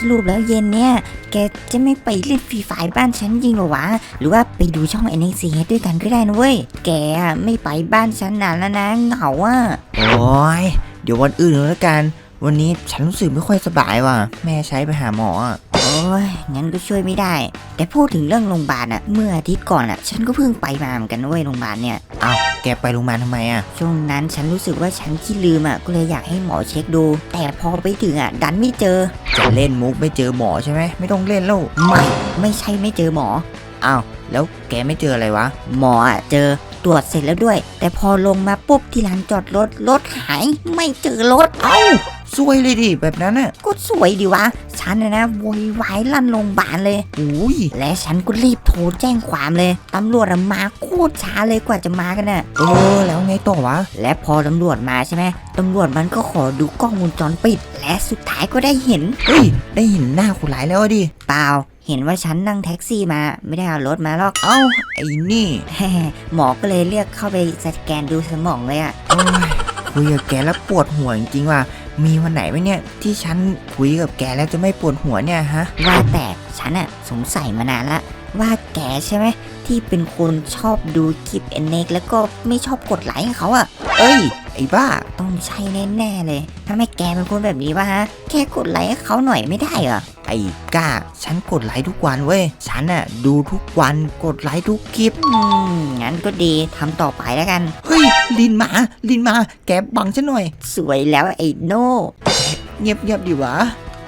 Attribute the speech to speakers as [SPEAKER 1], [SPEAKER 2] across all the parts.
[SPEAKER 1] รุปแล้วเย็นเนี่ยแกจะไม่ไปเล่นฟรีไฟบ้านฉันจริงหรอวะหรือว่าไปดูช่อง NXT ด้วยกันก็ได้นะเว้ยแกไม่ไปบ้านฉันนานแล้วนะเหงาอ่ะ
[SPEAKER 2] โอ้ยเดี๋ยววันอื่นแล้วกันวันนี้ฉันรู้สึกไม่ค่อยสบายว่ะแม่ใช้ไปหาหมอ
[SPEAKER 1] โอ้ยงั้นก็ช่วยไม่ได้แต่พูดถึงเรื่องโรงพยาบาลอะเมื่ออาทิตย์ก่อนอะฉันก็เพิ่งไปมาเหมือนกันเว้ยโรงพยาบาลเนี่ย
[SPEAKER 2] เอาแกไปโรงพยาบาลทำไม
[SPEAKER 1] ช่วงนั้นฉันรู้สึกว่าฉันขี้ลืมอะก็เลยอยากให้หมอเช็คดูแต่พอไปถึงอะดันไม่เจอ
[SPEAKER 2] จะเล่นมุกไม่เจอหมอใช่ไหมไม่ต้องเล่นแล้ว
[SPEAKER 1] ไม่ใช่ไม่เจอหมอ
[SPEAKER 2] อ้าวแล้วแกไม่เจออะไรวะ
[SPEAKER 1] หมออะเจอตรวจเสร็จแล้วด้วยแต่พอลงมาปุ๊บที่ลานจอดรถหายไม่เจอรถ
[SPEAKER 2] ซวยเลยดิแบบนั้นน่ะ
[SPEAKER 1] ก็สวยดิวะฉันนะโวยวายลั่นโรงพยาบาลเลย
[SPEAKER 2] อุ้ย
[SPEAKER 1] และฉันก็รีบโทรแจ้งความเลยตำรวจมาโคตรช้าเลยกว่าจะมากันน่ะ
[SPEAKER 2] แล้วไงต่อวะ
[SPEAKER 1] และพอตำรวจมาใช่ไหมตำรวจมันก็ขอดูกล้องวงจรปิดและสุดท้ายก็ได้เห็น
[SPEAKER 2] ได้เห็นหน้าคนร้ายแล้วดิ
[SPEAKER 1] เปล่าเห็นว่าฉันนั่งแท็กซี่มาไม่ได้เอารถมาหรอก
[SPEAKER 2] ไอ้นี่
[SPEAKER 1] หมอก็เลยเรียกเข้าไปสแกนดูสมองเลย
[SPEAKER 2] คุยกับแกแล้วปวดหัวจริงๆว่ะมีวันไหนไหมเนี่ยที่ฉันคุยกับแกแล้วจะไม่ปวดหัวเนี่ยฮะ
[SPEAKER 1] ว่าแต่ฉันสงสัยมานานละว่าแกใช่ไหมที่เป็นคนชอบดูคลิปNXแล้วก็ไม่ชอบกดไลค์ให้เขา
[SPEAKER 2] ไอ้บ้า
[SPEAKER 1] ต้องใช่แน่ๆเลยถ้าไม่แกเป็นคนแบบนี้วะฮะแค่กดไลค์ให้เขาหน่อยไม่ได้เหรอ
[SPEAKER 2] ไอ้ก้าฉันกดไลค์ทุกวันเว้ยฉันดูทุกวันกดไลค์ทุกคลิป
[SPEAKER 1] งั้นก็ดีทำต่อไปแล้วกัน
[SPEAKER 2] ลินมาแกบังฉันหน่อย
[SPEAKER 1] สวยแล้วไอ้โน่
[SPEAKER 2] เงียบดิวะ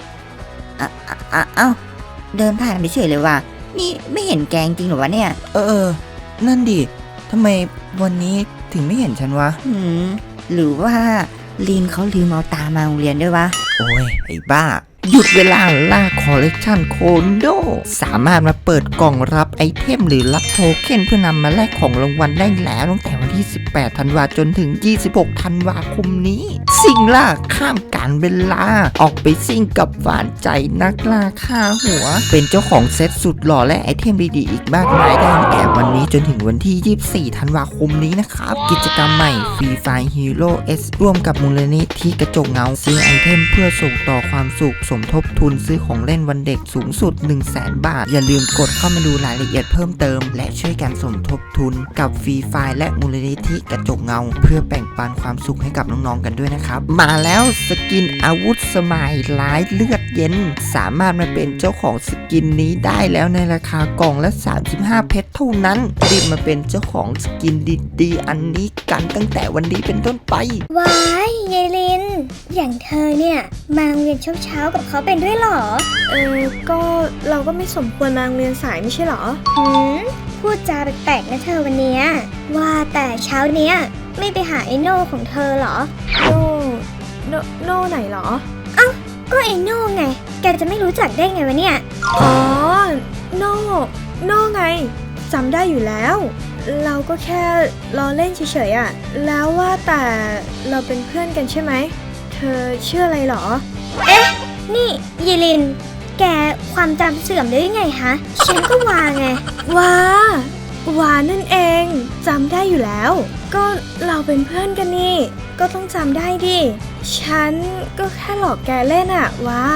[SPEAKER 1] เดินผ่านไปเฉยเลยว่ะนี่ไม่เห็นแกงจริงหรอวะเนี่ย
[SPEAKER 2] นั่นดิทำไมวันนี้ถึงไม่เห็นฉันวะ
[SPEAKER 1] หรือว่าลีนเขาลืมเอาตามาโรงเรียนด้วยวะ
[SPEAKER 2] โอ้ยไอ้บ้าหยุดเวลาล่าคอลเลกชันโคโดสามารถมาเปิดกล่องรับไอเทมหรือรับโทเค็นเพื่อนำมาแลกของรางวัลได้แล้วตั้งแต่วันที่18ธันวาคมจนถึง26ธันวาคมนี้ซิ่งล่าข้ามการเวลาออกไปซิ่งกับหวานใจนักล่าฆ่าหัวเป็นเจ้าของเซตสุดหล่อและไอเทมดีๆอีกมากมายได้แอบวันนี้จนถึงวันที่24ธันวาคมนี้นะครับกิจกรรมใหม่ฟรีไฟล์ฮีโร่เอสร่วมกับมูลนิธิกระจกเงาซื้อไอเทมเพื่อส่งต่อความสุขสมทบทุนซื้อของเล่นวันเด็กสูงสุด 100,000 บาทอย่าลืมกดเข้ามาดูรายละเอียดเพิ่มเติมและช่วยกันสมทบทุนกับฟรีไฟล์และมูลนิธิกระจกเงาเพื่อแบ่งปันความสุขให้กับน้องๆกันด้วยนะครับมาแล้วสกินอาวุธสมัยร้ายเลือดเย็นสามารถมาเป็นเจ้าของสกินนี้ได้แล้วในราคากล่องละ35เพชรเท่านั้นรีบมาเป็นเจ้าของสกินดีๆอันนี้กันตั้งแต่วันนี้เป็นต้นไป
[SPEAKER 3] ว้ายยายลินอย่างเธอเนี่ยมาโรงเรียนเช้ากับเขาเป็นด้วยหรอ
[SPEAKER 4] ก็เราก็ไม่สมควรมาโรงเรียนสายไม่ใช่หรอ
[SPEAKER 3] พูดจาแปลกๆนะเธอวันเนี้ยว่าแต่เช้าเนี้ยไม่ไปหาไอโน่ของเธอหรอ
[SPEAKER 4] โน่ไหนหรอ
[SPEAKER 3] ก็ไอโน่ไงแกจะไม่รู้จักได้ไงวะเนี่ย
[SPEAKER 4] โน่ไงจำได้อยู่แล้วเราก็แค่ล้อเล่นเฉยๆแล้วว่าแต่เราเป็นเพื่อนกันใช่ไหมเธอเชื่ออะไรหรอ
[SPEAKER 3] นี่ยีลินแกความจำเสื่อมได้ยังไงฮะฉันก็วาไง
[SPEAKER 4] วานั่นเองจำได้อยู่แล้วก็เราเป็นเพื่อนกันนี่ก็ต้องจำได้ดิฉันก็แค่หลอกแกเล่นวา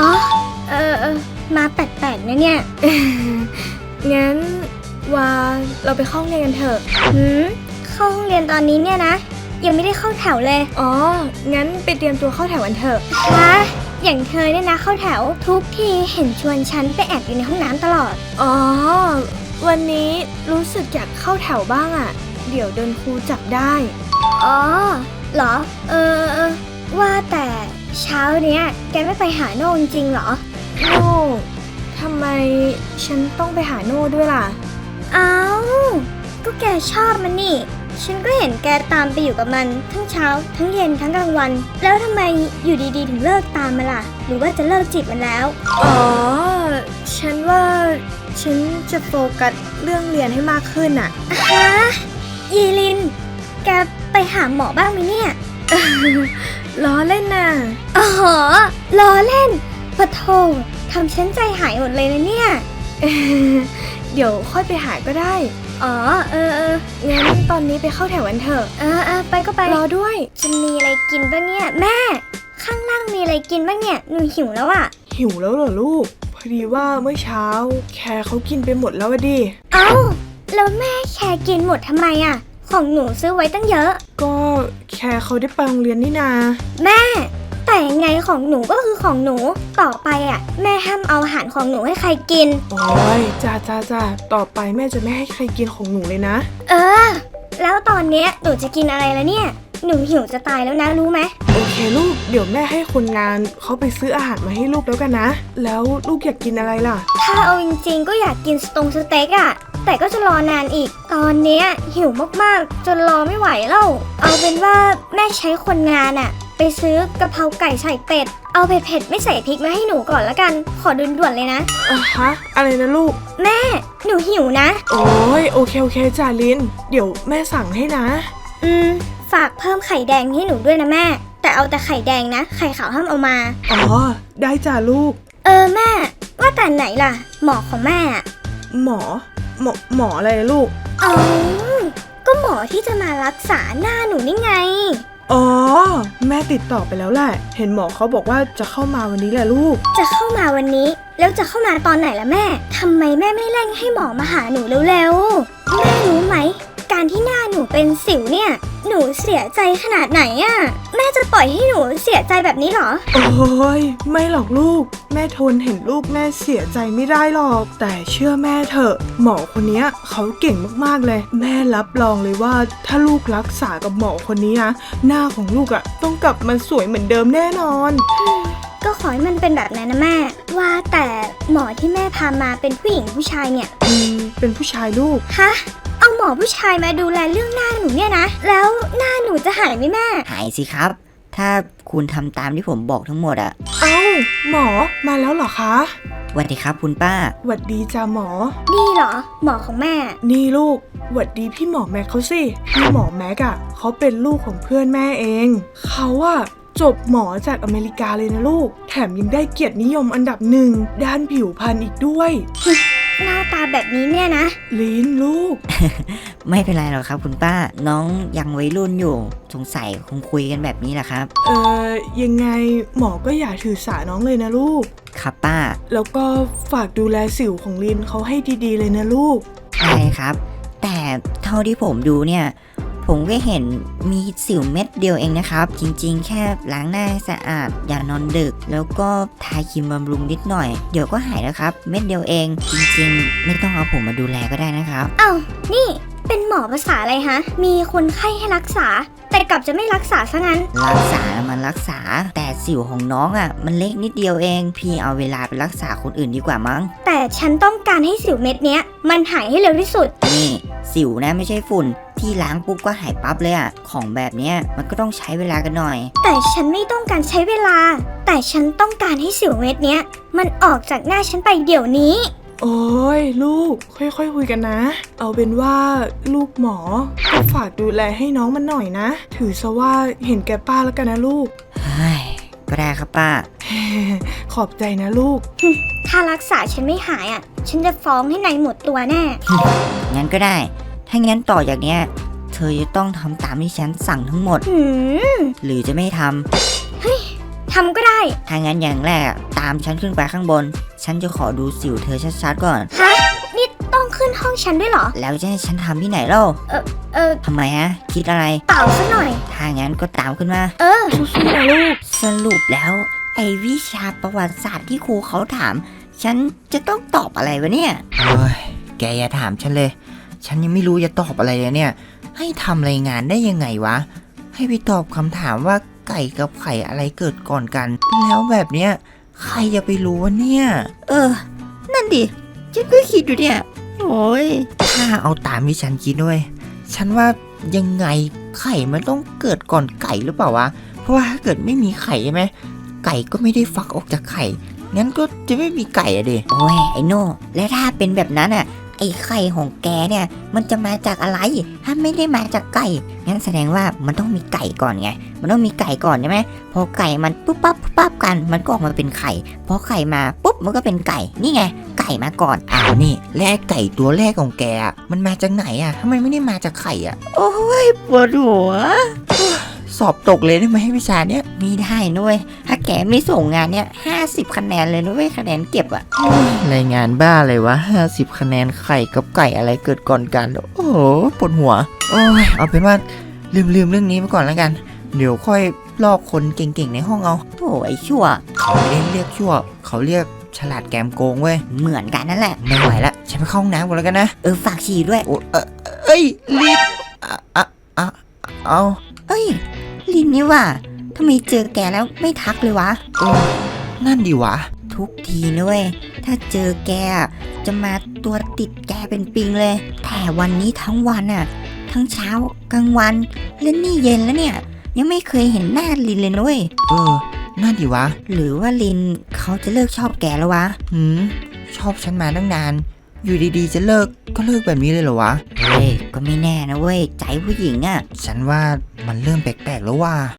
[SPEAKER 3] มาแปลกๆนะเนี่ย
[SPEAKER 4] งั้นวาเราไปเข้าห้องเรียนกันเถอะ
[SPEAKER 3] เข้าห้องเรียนตอนนี้เนี่ยนะยังไม่ได้เข้าแถวเลย
[SPEAKER 4] งั้นไปเตรียมตัวเข้าแถวกันเถอะ
[SPEAKER 3] อย่างเธอเนี่ยนะเข้าแถวทุกทีเห็นชวนฉันไปแอบอยู่ในห้องน้ำตลอด
[SPEAKER 4] วันนี้รู้สึกอยากเข้าแถวบ้างเดี๋ยวโดนครูจับได้
[SPEAKER 3] เหรอว่าแต่เช้าเนี้ยแกไม่ไปหาโน่จริงเหรอ
[SPEAKER 4] โน่ทำไมฉันต้องไปหาโน่ด้วยล่ะ
[SPEAKER 3] ก็แกชอบมันนี่ฉันก็เห็นแกตามไปอยู่กับมันทั้งเช้าทั้งเย็นทั้งกลางวันแล้วทำไมอยู่ดีๆถึงเลิกตามมันล่ะหรือว่าจะเลิกจีบมันแล้ว
[SPEAKER 4] ฉันว่าฉันจะโฟกัสเรื่องเรียนให้มากขึ้น
[SPEAKER 3] ยีลินแกไปหาหมอบ้างไหมเนี่ย
[SPEAKER 4] ล้อเล่นน่ะ
[SPEAKER 3] ล้อเล่นปะโถทำฉันใจหายหมดเลยนะเนี่ย
[SPEAKER 4] เดี๋ยวค่อยไปหาก็ได้งั้นตอนนี้ไปเข้าแถวกันเถอะ
[SPEAKER 3] ไปก็ไป
[SPEAKER 4] รอด้วย
[SPEAKER 3] จะมีอะไรกินบ้างเนี่ยแม่ข้างล่างมีอะไรกินบ้างเนี่ยหนูหิวแล้ว
[SPEAKER 4] หิวแล้วเหรอลูก พอดีว่าเมื่อเช้าแคร์เขากินไปหมดแล้วอะดิ
[SPEAKER 3] เอ้าแล้วแม่แคร์กินหมดทำไมอะของหนูซื้อไว้ตั้งเยอะ
[SPEAKER 4] ก็แคร์เขาได้ไปโรงเรียนนี่นา
[SPEAKER 3] แม่ แต่ยังไงของหนูก็คือของหนูต่อไปอะแม่ห้ามเอาอาหารของหนูให้ใครกิน
[SPEAKER 4] โอ้ยจ้าต่อไปแม่จะไม่ให้ใครกินของหนูเลยนะ
[SPEAKER 3] เออ แล้วตอนเนี้ยหนูจะกินอะไรแล้วเนี่ยหนูหิวจะตายแล้วนะรู้ไหม
[SPEAKER 4] โอเคลูก เดี๋ยวแม่ให้คนงานเขาไปซื้ออาหารมาให้ลูกแล้วกันนะ แล้วลูกอยากกินอะไรล่ะ
[SPEAKER 3] ถ้าเอาจริงๆก็อยากกินสเต็กอะแต่ก็จะรอนานอีก ตอนเนี้ยหิวมากๆจนรอไม่ไหวแล้วเอาเป็นว่าแม่ใช้คนงานอะไปซื้อกะเพราไก่ใส่เป็ดเอาเผ็ดๆไม่ใส่พริกมาให้หนูก่อนละกันขอด่วนๆเลยนะ
[SPEAKER 4] ฮะ อะไรนะลูก
[SPEAKER 3] แม่หนูหิวนะ
[SPEAKER 4] โอ้ยโอเคจ่าลิน เดี๋ยวแม่สั่งให้นะ
[SPEAKER 3] ฝากเพิ่มไข่แดงให้หนูด้วยนะแม่ แต่เอาแต่ไข่แดงนะไข่ขาวห้ามเอามา
[SPEAKER 4] อ๋อ ได้จ้าลูก
[SPEAKER 3] แม่ว่าแต่ไหนล่ะ หมอของแม่อะ
[SPEAKER 4] หมออะไรลูก
[SPEAKER 3] อ๋อก็หมอที่จะมารักษาหน้าหนูนี่ไง
[SPEAKER 4] อ๋อ แม่ติดต่อไปแล้วแหละ เห็นหมอเขาบอกว่าจะเข้ามาวันนี้แหละลูก
[SPEAKER 3] จะเข้ามาวันนี้แล้วจะเข้ามาตอนไหนล่ะแม่ทำไมแม่ไม่เร่งให้หมอมาหาหนูเร็วๆแม่รู้ไหมการที่หน้าหนูเป็นสิวเนี่ยหนูเสียใจขนาดไหนอะแม่จะปล่อยให้หนูเสียใจแบบนี้เหรอ
[SPEAKER 4] โอ้ยไม่หรอกลูก แม่ทนเห็นลูกแม่เสียใจไม่ได้หรอก แต่เชื่อแม่เถอะ หมอคนนี้เขาเก่งมากๆเลย แม่รับรองเลยว่าถ้าลูกรักษากับหมอคนนี้นะหน้าของลูกอะต้องกลับมาสวยเหมือนเดิมแน่นอน
[SPEAKER 3] ก็ขอให้มันเป็นแบบนั้นนะแม่ ว่าแต่หมอที่แม่พามาเป็นผู้หญิงผู้ชายเนี่ย
[SPEAKER 4] เป็นผู้ชายลูก
[SPEAKER 3] ฮะเอาหมอผู้ชายมาดูแลเรื่องหน้าหนูเนี่ยนะแล้วหน้าหนูจะหายไหมแม่
[SPEAKER 1] หายสิครับ ถ้าคุณทำตามที่ผมบอกทั้งหมดอะ
[SPEAKER 4] เอ้าหมอมาแล้วเหรอคะ
[SPEAKER 1] สวัสดีครับคุณป้า
[SPEAKER 4] หวัดดีจ้าหมอ
[SPEAKER 3] นี่เหรอหมอของแม่
[SPEAKER 4] นี่ลูกหวัดดีพี่หมอแม็กเขาสิพี่หมอแม็กอะเขาเป็นลูกของเพื่อนแม่เองเขาอะจบหมอจากอเมริกาเลยนะลูกแถมยังได้เกียรตินิยมอันดับหนึ่งด้านผิวพรรณอีกด้วย
[SPEAKER 3] หน้าตาแบบนี้เนี่ยนะ
[SPEAKER 4] ลินลูก
[SPEAKER 1] ไม่เป็นไรหรอกครับคุณป้า น้องยังวัยรุ่นอยู่ สงสัยคงคุยกันแบบนี้แหละครับ
[SPEAKER 4] ยังไงหมอก็อย่าถือสาน้องเลยนะลูก
[SPEAKER 1] ครับป้า
[SPEAKER 4] แล้วก็ฝากดูแลสิวของลินเขาให้ดีๆเลยนะลูก
[SPEAKER 1] ได้ครับ แต่เท่าที่ผมดูเนี่ย ผมก็เห็นมีสิวเม็ดเดียวเองนะครับ จริงๆ แค่ล้างหน้าให้สะอาด อย่านอนดึก แล้วก็ทาครีมบำรุงนิดหน่อย เดี๋ยวก็หายแล้วครับ เม็ดเดียวเอง จริงๆ ไม่ต้องเอาผมมาดูแลก็ได้นะครับ
[SPEAKER 3] เอ้านี่เป็นหมอภาษาอะไรฮะ มีคนไข้ให้รักษา แต่กลับจะไม่รักษาซะงั้น
[SPEAKER 1] รักษามันรักษา แต่สิวของน้องอ่ะ มันเล็กนิดเดียวเอง พี่เอาเวลาไปรักษาคนอื่นดีกว่ามั้ง
[SPEAKER 3] แต่ฉันต้องการให้สิวเม็ดเนี้ยมันหายให้เร็วที่สุด
[SPEAKER 1] นี่สิวนะไม่ใช่ฝุ่น ที่ล้างปุ๊บก็หายปั๊บเลยอ่ะ ของแบบเนี้ยมันก็ต้องใช้เวลากันหน่อย
[SPEAKER 3] แต่ฉันไม่ต้องการใช้เวลา แต่ฉันต้องการให้สิวเม็ดเนี้ยมันออกจากหน้าฉันไปเดี๋ยวนี้
[SPEAKER 4] โอ้ยลูกค่อยๆคุยกันนะ เอาเป็นว่าลูกหมอก็ฝากดูแลให้น้องมันหน่อยนะ ถือซะว่าเห็นแก่ป้าแล้วกันนะลูก
[SPEAKER 1] เฮ้ย ก็ได้ครับป้า
[SPEAKER 4] ขอบใจนะลูก
[SPEAKER 3] ถ้ารักษาฉันไม่หายอ่ะ ฉันจะฟ้องให้นายหมดตัวแน่
[SPEAKER 1] งั้นก็ได้ ถ้างั้นต่อจากเนี้ย เธอจะต้องทำตามที่ฉันสั่งทั้งหมด
[SPEAKER 3] หืม
[SPEAKER 1] หรือจะไม่ทำ
[SPEAKER 3] ทำก็ได้
[SPEAKER 1] ถ้างั้นอย่างแรกอะตามฉันขึ้นไปข้างบน ฉันจะขอดูสิวเธอชัดๆก่อน
[SPEAKER 3] ฮะ นี่ต้องขึ้นห้องฉันด้วยเหรอ
[SPEAKER 1] แล้วจะให้ฉันทำที่ไหนเล่า ทำไมฮะ คิดอะไร
[SPEAKER 3] เปล่าซะหน่อย
[SPEAKER 1] ถ้างั้นก็ตามขึ้นมา
[SPEAKER 4] สู้ๆนะลูก
[SPEAKER 1] สรุปแล้ว ไอ้วิชาประวัติศาสตร์ที่ครูเขาถาม ฉันจะต้องตอบอะไรวะเนี่ย
[SPEAKER 2] เฮ้ย แกอย่าถามฉันเลย ฉันยังไม่รู้จะตอบอะไรเลยเนี่ย ให้ทำรายงานได้ยังไงวะ ให้ไปตอบคำถามว่าไก่กับไข่อะไรเกิดก่อนกัน แล้วแบบเนี้ยใครจะไปรู้วะเนี่ย
[SPEAKER 1] นั่นดิ ฉันก็คิดอยู่เนี่ย โอ้ย
[SPEAKER 2] ถ้าเอาตามที่ฉันคิดด้วย ฉันว่ายังไงไข่มันต้องเกิดก่อนไก่หรือเปล่าวะ เพราะว่าถ้าเกิดไม่มีไข่ใช่ไหม ไก่ก็ไม่ได้ฟักออกจากไข่ งั้นก็จะไม่มีไก่อะดิ
[SPEAKER 1] โอ้ย ไอ้โน่ และถ้าเป็นแบบนั้นอ่ะ ไอ้ไข่ของแกเนี่ย มันจะมาจากอะไร ถ้าไม่ได้มาจากไก่ งั้นแสดงว่ามันต้องมีไก่ก่อนไง มันต้องมีไก่ก่อนใช่ไหม พอไก่มันปุ๊บปั๊บปุ๊บปั๊บกัน มันก็ออกมาเป็นไข่ พอไข่มาปุ๊บมันก็เป็นไก่ นี่ไง ไก่มาก่อน
[SPEAKER 2] อ้าวนี่และไอ้ไก่ตัวแรกของแกอะมันมาจากไหนอะทำไมไม่ได้มาจากไข่อะ
[SPEAKER 1] โอ้ยปวดหัว
[SPEAKER 2] สสอบตกเลยได้ไหมวิชาเนี้ย
[SPEAKER 1] ไม่ได้นุ้ยถ้าแกไม่ส่งงานเนี่ย50 คะแนนเลยนุ้ยคะแนนเก็บอะ
[SPEAKER 2] รายงานบ้าเลยวะ50 คะแนนไข่กับไก่อะไรเกิดก่อนกัน โอ้โหปวดหัว โอ้ยเอาเป็นว่าลืมเรื่องนี้ไปก่อนแล้วกัน เดี๋ยวค่อยลอกคนเก่งๆในห้องเอา
[SPEAKER 1] โอ้ยชั่ว
[SPEAKER 2] เขาไม่ได้เรียกชั่ว เขาเรียกฉลาดแกมโกงเว้ย
[SPEAKER 1] เหมือนกันนั่นแหละ
[SPEAKER 2] ไม่ไหวละฉันไปเข้าห้องน้ำก่อนแล้วกันนะ
[SPEAKER 1] ฝากฉี่ด้วย
[SPEAKER 2] โอ้เอ้ยลินเอา
[SPEAKER 1] เอ้ยลินนี่ว่าทำไมเจอแกแล้วไม่ทักเลยวะ
[SPEAKER 2] นั่นดีวะ
[SPEAKER 1] ทุกทีนะเว้ยถ้าเจอแกอะจะมาตัวติดแกเป็นปิงเลย แต่วันนี้ทั้งวันอ่ะ ทั้งเช้ากลางวันและนี่เย็นแล้วเนี่ย ยังไม่เคยเห็นหน้าลินเลยนุ้ย
[SPEAKER 2] นั่นดีวะ
[SPEAKER 1] หรือว่าลินเขาจะเลิกชอบแกแล้ววะ
[SPEAKER 2] ชอบฉันมาตั้งนาน อยู่ดีๆจะเลิกก็เลิกแบบนี้เลยเหรอวะ
[SPEAKER 1] เฮ้ยก็ไม่แน่นะเว้ยใจผู้หญิงอ่ะ
[SPEAKER 2] ฉันว่ามันเริ่มแปลกๆแล้วว่า